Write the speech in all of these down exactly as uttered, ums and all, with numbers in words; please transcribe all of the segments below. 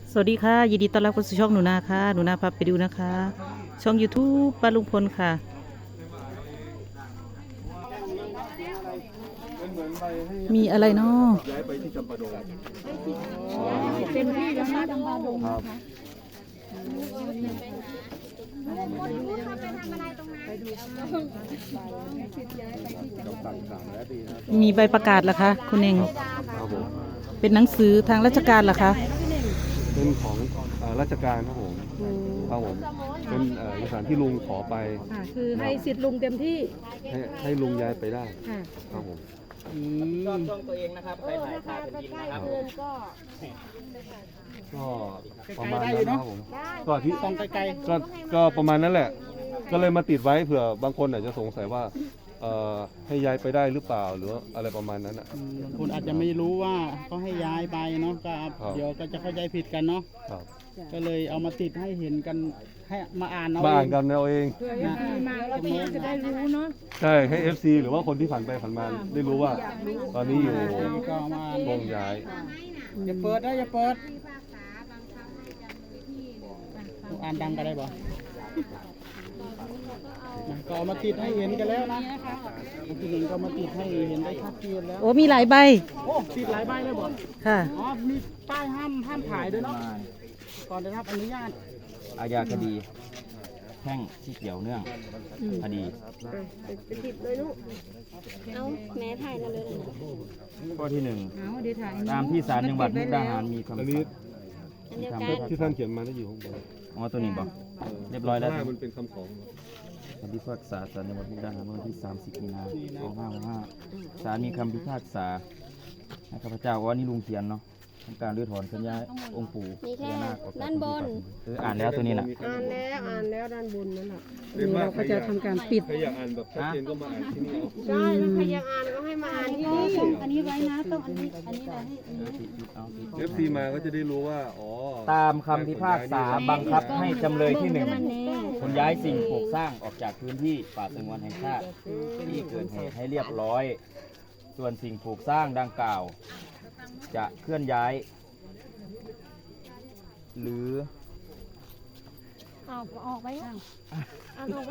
สวัสดีค่ะยินดีต้อนรับเข้าสู่ช่องหนูนาค่ะหนูนาพาไปดูนะคะ ช่อง YouTube ป้าลุงพลค่ะ มีอะไรเนาะย้ายไปที่จำปาดงเต็มที่แล้วนะจำปาดงครับ ต้องสั่งสามแล้วดีนะมีใบประกาศเหรอคะคุณเองครับผมเป็นหนังสือทางราชการเหรอคะเป็นของเอ่อราชการครับผมครับผมเป็นเอ่อเอกสารที่ลุงขอไปค่ะคือให้สิทธิ์ลุงเต็มที่ให้ให้ลุงย้ายไปได้ค่ะครับผมชอบช่องตัวเองนะครับใครถ่ายถ่ายเป็นดินนะครับก็ประมาณนั้นนะครับผมก็ที่ต้องใกล้ๆก็ก็ประมาณนั้นแหละ ก็เลยมาติดไว้เผื่อบางคนอาจจะสงสัยว่าเอ่อให้ย้ายไปได้หรือเปล่าหรืออะไรประมาณนั้นอ่ะบางคนอาจจะไม่รู้ว่าเขาให้ย้ายไปเนาะก็ครับเดี๋ยวก็จะเข้าใจผิดกันเนาะครับก็เลยเอามาติดให้เห็นกันให้มาอ่านเอามาอ่านเองกันเอาเองเพื่อให้มาแล้วพี่จะได้รู้เนาะใช่ให้ เอฟ ซี หรือว่าคนที่ผ่านไปผ่านมาได้รู้ว่า ตอนนี้อยู่ก็เอามาอ่านวงย้ายอย่าเปิดนะอย่าเปิดอ่านดังก็ได้บ่นะก็เอามาติดให้เห็นกันแล้วนะทีนึงก็มาติดให้เห็นได้ชัดเจนแล้วโอ้มีหลายใบโอ้ติดหลายใบเลยบ่ค่ะอ๋อมีป้ายห้ามห้ามถ่ายด้วยเนาะก่อนได้รับอนุญาตอาญาคดีแพ่งที่เกี่ยวเนื่องคดีเอาแม่ถ่ายนั่นเลยนะข้อที่หนึ่งเอาเดี๋ยวถ่ายตามที่ศาลจังหวัดมุกดาหารมีคำอันสั่นี้งอันเดียวทำกันให้ที่ท่านเขียนมาได้อยู่ข้างบนอ๋อตัวนี้บอกเรียบร้อยแล้วข้างหน้ามันเป็นคำของคำพิพากษาศาลจังหวัดมุกดาหารเมื่อวันที่ สามสิบ มีนาคม สองพันห้าร้อยหกสิบห้าศาลมีคำพิพากษาให้ข้าพเจ้าว่านี่ลุงเขียนเนาะทำการรื้อถอนเคลื่อนย้ายองค์ปู่มีแค่พญานาคออกจากด้านบนคืออ่านแล้วตัวนี้น่ะอ่านแล้วอ่านแล้วด้านบนนั่นแหละเรียกว่าเราก็จะทำการปิดใครอยากอ่านแบบชัดเจนก็มาอ่านที่นี่เอาใช่ถ้าใครอยากอ่านก็ให้มาอ่านที่นี่อันนี้ไว้นะต้องอันนี้อันนี้นะให้อันนี้เอาสิเอฟซีมาก็จะได้รู้ว่า อ๋อตามคำพิพากษาบังคับให้จำเลยที่หนึ่งมันแน่ขนย้ายสิ่งปลูกสร้างออกจากพื้นที่ป่าสงวนแห่งชาติที่เกิดเหตุให้เรียบร้อย ส่วนสิ่งปลูกสร้างดังกล่าว จะเคลื่อนย้าย หรือเอาออกไปอ่านออกไป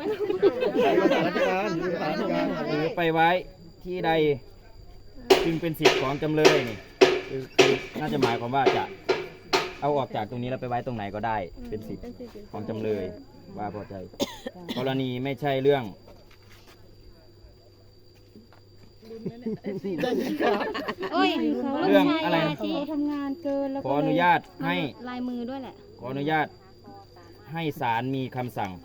หรือไปไว้ที่ใดจึงเป็นสิทธิ์ของจำเลยนี่คือคือน่าจะหมายความว่าจะเอาออกจากตรงนี้แล้วไปไว้ตรงไหนก็ได้ เป็นสิทธิ์ของจำเลยว่าพอใจ กรณีไม่ใช่เรื่องโอ้ยเรื่องอะไรนะที่ทำงานเกินแล้วขออนุญาตให้ลายมือด้วยแหละขออนุญาตให้ศาลมีคำสั่ง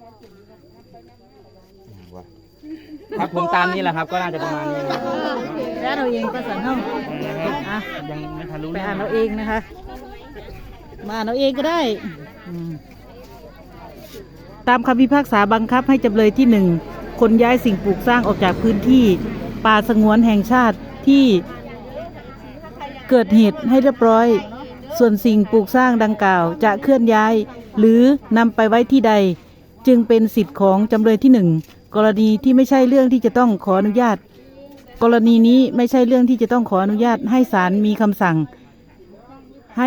ว่าครับผมตามนี้แหละครับ ก็น่าจะประมาณนี้นะครับแล้วเราเองก็สั่นห้องอ่ะยังไม่ทันรู้ไปเรื่องอ่านเราเองนะคะ มาอ่านเราเองก็ได้อืมตามคำพิพากษาบังคับให้จำเลยที่หนึ่งขนย้ายสิ่งปลูกสร้างออกจากพื้นที่ป่าสงวนแห่งชาติที่เกิดเหตุให้เรียบร้อย ส่วนสิ่งปลูกสร้างดังกล่าว จะเคลื่อนย้าย หรือนำไปไว้ที่ใด จึงเป็นสิทธิ์ของจำเลยที่หนึ่งกรณีที่ไม่ใช่เรื่องที่จะต้องขออนุญาต กรณีนี้ไม่ใช่เรื่องที่จะต้องขออนุญาตให้ศาลมีคำสั่ง ให้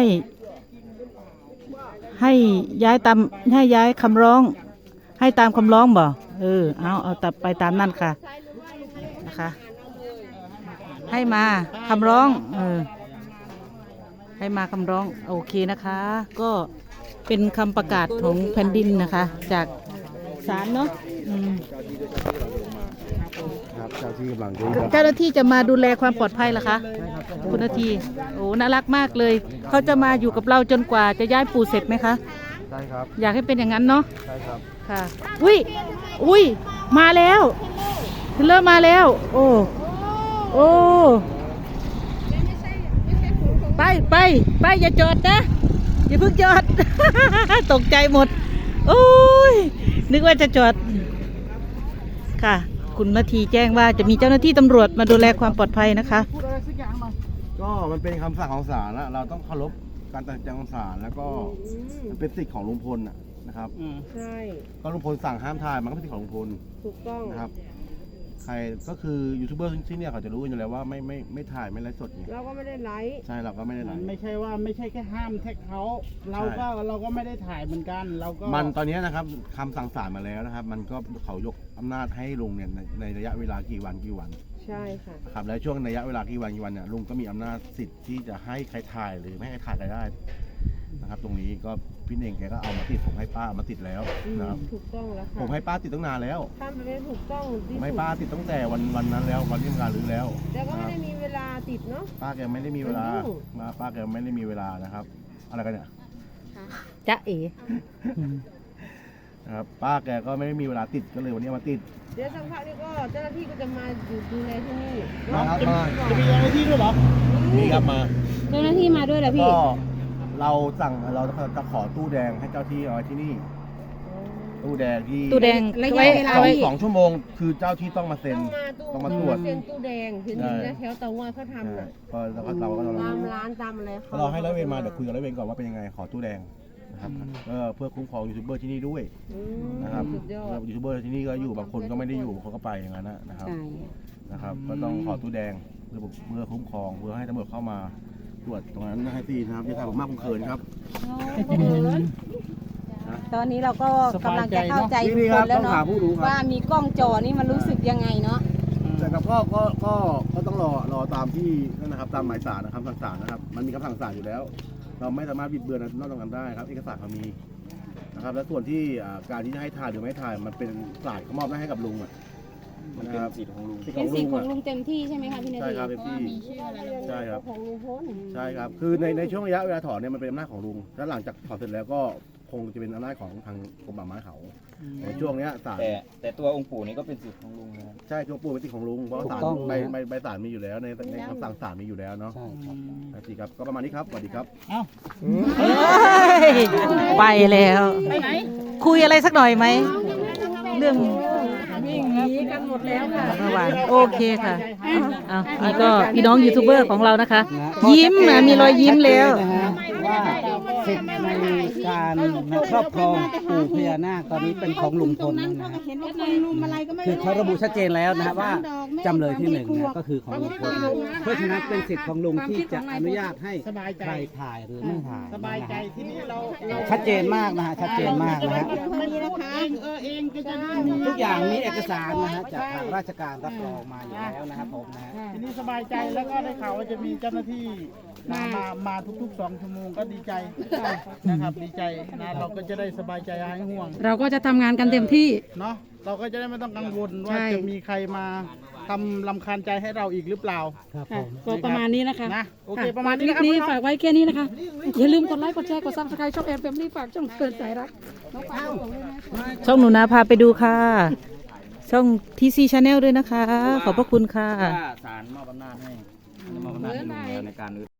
ให้ย้ายตามให้ย้ายคำร้อง ให้ตามคำร้องบ่เออเอาเอาตัดไปตามนั่นค่ะนะคะ ให้มาคำร้องเออให้มาคำร้องโอเคนะคะ ก็เป็นคำประกาศของแผ่นดินนะคะ จากศาลเนาะอืมครับเจ้าที่กำลังดูเจ้าหน้าที่จะมาดูแลความปลอดภัยเหรอคะคุณนาทีโอ้น่ารักมากเลย เขาจะมาอยู่กับเราจนกว่าจะย้ายปู่เสร็จไหมคะใช่ครับอยากให้เป็นอย่างนั้นเนาะใช่ครับค่ะ อุ้ย อุ้ย มาแล้วเริ่มมาแล้ว โอ้ โอ้ ไปไปไปอย่าจอดนะ อย่าเพิ่งจอด ตกใจหมด โอ้ย นึกว่าจะจอด ค่ะ คุณนาทีแจ้งว่าจะมีเจ้าหน้าที่ตำรวจมาดูแลความปลอดภัยนะคะพูดอะไรสักอย่างหน่อยก็มันเป็นคำสั่งของศาลนะเราต้องเคารพการตัดสินใจของศาลแล้วก็มันเป็นสิทธิ์ของลุงพลน่ะนะครับอืมใช่ก็ลุงพลสั่งห้ามถ่ายมันก็เป็นสิทธิ์ของลุงพลถูกต้องนะครับใครก็คือยูทูบเบอร์ที่เนี่ยเขาจะรู้กันอยู่แล้วว่าไม่ไม่ไม่ถ่ายไม่ไลฟ์สดไงเราก็ไม่ได้ไลฟ์ใช่เราก็ไม่ได้ไลมันฟ์ไม่ใช่ว่าไม่ใช่แค่ห้ามแท็กเขาเราก็เราก็ไม่ได้ถ่ายเหมือนกันเราก็มันตอนนี้นะครับคำสั่งศาลมาแล้วนะครับ มันก็เขายกอำนาจให้ลุงเนี่ยในในระยะเวลากี่วันกี่วันใช่ค่ะครับและช่วงระยะเวลากี่วันกี่วันเนี่ยลุงก็มีอำนาจสิทธิ์ที่จะให้ใครถ่ายหรือไม่ให้ใครถ่ายใครได้นะครับ ตรงนี้ก็พี่เน่งแกก็เอามาติดผมให้ป้าเอามาติดแล้วนะครับถูกต้องแล้วค่ะผมให้ป้าติดตั้งนานแล้วทำไปไม่ถูกต้องผที่มให้สุดป้าติดตั้งแต่วันวันนั้นแล้ววันที่ทำการรื้อแล้วแต่ก็นะไม่ครับได้มีเวลาติดเนาะป้าแกไม่ได้มีเวลามันยุ่งมาป้าแกไม่ได้มีเวลานะครับ อะไรกันเนี่ยจ๊ะเอ๋นะครับป้าแกก็ไม่ได้มีเวลาติดก็เลยวันนี้มาติดเดี๋ยวสักพักนี้ก็เจ้าหน้าที่ก็จะมาอยู่ดูแลที่นี่มาครับมาจะมีอะไรที่ด้วยเหรอนี่ครับมาเจ้าหน้าที่มาด้วยเหรอพี่ก็เราสั่งเราจะขอตู้แดงให้เจ้าที่เอาไว้ที่นี่ ตู้แดงที่ตู้แดงระยะไว้เวลาสองเอาไว้สองชั่วโมงคือเจ้าที่ต้องมาเซ็นต้องมาตู้ต้องมาตรวจเซ็นตู้แดงเห็นใช่อยู่แถวเตางอยเขาทำใช่น่ะก็เราก็เราก็เราตามร้านตามอะไรเราให้ร้อยเวรมาเดี๋ยวคุยกับร้อยเวรก่อนว่าเป็นยังไงขอตู้แดงนะครับก็เพื่อคุ้มครองยูทูบเบอร์ที่นี่ด้วยอืมนะครับสุดยอดยูทูบเบอร์ที่นี่ก็อยู่บางคนก็ไม่ได้อยู่บางคนก็ไปอย่างนั้นนะนะครับใช่นะครับก็ต้องขอตู้แดงเพื่อเพื่อคุ้มครองเพื่อให้ตำรวจเข้ามาตรวจตรงนั้นให้ตีนะครับที่ทางผมมากผมเขินครับตอนนี้เราก็กำลังจะเข้าใจทุกนี่คครันบแล้วต้องเนาะหาผู้รู้ครับว่ามีกล้องจอนี่มันรู้สึกยังไงเนาะแต่กับก็ก็ก็ก็ต้องรอรอตามที่นั่นนะครับตามหมายศาลนะครับคำสั่งศาลนะครับ มันมีคำสั่งศาลอยู่แล้ว เราไม่สามารถบิดเบือนนอกตรงนั้นได้ครับเอกสารเขามีนะครับและส่วนที่อ่าการที่จะให้ถ่ายหรือไม่ถ่ายมันเป็นศาลเขามอบหน้าให้กับลุงอ่ะมันนะเป็นครับสิทธิ์ของลุงเป็นสิทธิ์ของะลุงเต็มที่ใช่ไหมคะพี่นาใช่ทีครับเป็นที่ใช่ครับของลุงพลใช่ครับ คือในในช่วงระยะเวลาถอนเนี่ยมันเป็นอำนาจของลุง แล้วหลังจากถอนเสร็จแล้วก็คงจะเป็นอำนาจของทางกรมป่าไม้เขาในช่วงเนี้ยศาลแต่แต่ตัวองค์ปู่นี่ก็เป็นสิทธิ์ของลุงนะครับใช่ช่วงปูเป็นสิทธิ์ของลุง เพราะศาลถูกต้องใบใบใบศาลมีอยู่แล้วในในคำสั่งศาลมีอยู่แล้วเนาะใช่ครับนะสิครับ ก็ประมาณนี้ครับ สวัสดีครับเอ้าเอ้ยไปแล้วไปไหนคุยอะไรสักหน่อยไหม เรื่องวิ่งหนีกันหมดแล้วค่ะเมื่อวานโอเคค่ะเอานี่ก็พี่น้องยูทูบเบอร์ของเรานะคะ ยิ้มนะมีรอยยิ้มแล้วว่าสิทธิ์ในการครอบครองปู่พญานาคตอนนี้เป็นของลุงพลนะฮะคือเขาระบุชัดเจนแล้วนะฮะว่าจำเลยที่หนึ่งนะก็คือของลุงพลเพราะฉะนั้นเป็นสิทธิ์ของลุงที่จะอนุญาตให้ใครถ่ายหรือไม่ถ่ายสบายใจที่นี่เราชัดเจนมากนะฮะชัดเจนมากนะฮะทุกอย่างมีเอกสารนะฮะจากทางราชการรับรองมาอยู่แล้วนะครับผมนะฮะทีนี้สบายใจแล้วก็ได้ข่าวว่าจะมีเจ้าหน้าที่มามามาทุกๆสองชั่วโมงก็ดีใจนะครับดีใจนะเราก็จะได้สบายใจหายห่วงเราก็จะทำงานกันเต็มที่เนาะเราก็จะได้ไม่ต้องกังวลว่าใช่จะมีใครมาทำลำคาญใจให้เราอีกหรือเปล่าครับค่ะก็ประมาณนี้นะคะนะโอเคค่ประมาณนี้คลินะปครับนี้ฝากไว้แค่นี้นะคะ อย่าลืมกดไลค์ กดแชร์ กดซับสไครต์ช่องแอนแฟมลี่ฝากช่องเกินสายรักน้องปาบอกเลยนะช่องหนูนาพาไปดูค่ะ ช่องทีซีชาแนลด้วยนะคะ ขอบพระคุณค่ะว่าศาลมอบอำนาจให้มอบอำนาจให้ลุงแล้วในการ